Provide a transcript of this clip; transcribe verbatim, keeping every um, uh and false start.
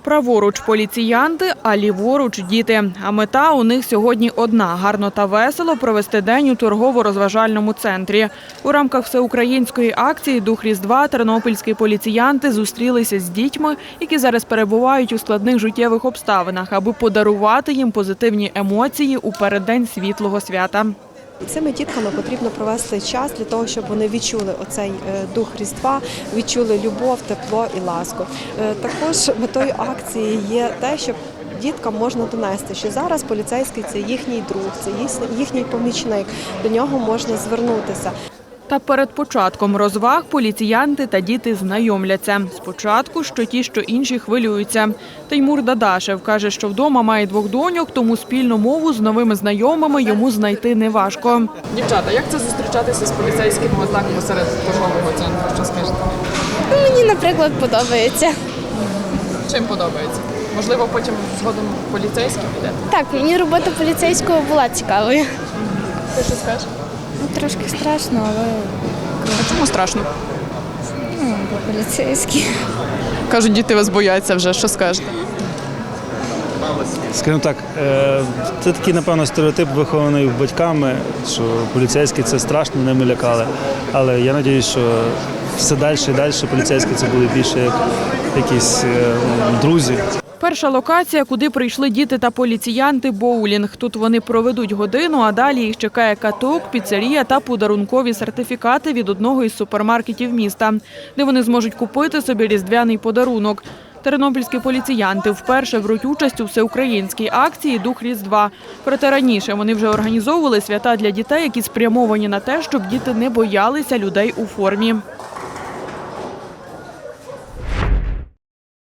Праворуч поліціянти, а ліворуч діти. А мета у них сьогодні одна – гарно та весело провести день у торгово-розважальному центрі. У рамках всеукраїнської акції «Дух Різдва» тернопільські поліціянти зустрілися з дітьми, які зараз перебувають у складних життєвих обставинах, аби подарувати їм позитивні емоції у переддень світлого свята. Цими дітками потрібно провести час для того, щоб вони відчули оцей дух Різдва, відчули любов, тепло і ласку. Також метою акції є те, щоб діткам можна донести, що зараз поліцейський – це їхній друг, це їхній помічник, до нього можна звернутися. Та перед початком розваг поліціянти та діти знайомляться. Спочатку, що ті, що інші хвилюються. Теймур Дадашев каже, що вдома має двох доньок, тому спільну мову з новими знайомими йому знайти неважко. Дівчата, як це зустрічатися з поліцейськими отак посеред торгового центру? Що скажете? Мені, наприклад, подобається. Чим подобається? Можливо, потім згодом поліцейський піде? Так, мені робота поліцейського була цікавою. Ти що скажеш? Ну, трошки страшно, але А чому страшно? ну, бо поліцейські. Кажуть, діти вас бояться вже. Що скажете? Скажімо так, це такий, напевно, стереотип, вихований батьками, що поліцейські – це страшно, ними лякали. Але я сподіваюся, що все далі і далі поліцейські це були більше як якісь друзі. Перша локація, куди прийшли діти та поліціянти – боулінг. Тут вони проведуть годину, а далі їх чекає каток, піцерія та подарункові сертифікати від одного із супермаркетів міста, де вони зможуть купити собі різдвяний подарунок. Тернопільські поліціянти вперше беруть участь у всеукраїнській акції «Дух Різдва». Проте раніше вони вже організовували свята для дітей, які спрямовані на те, щоб діти не боялися людей у формі.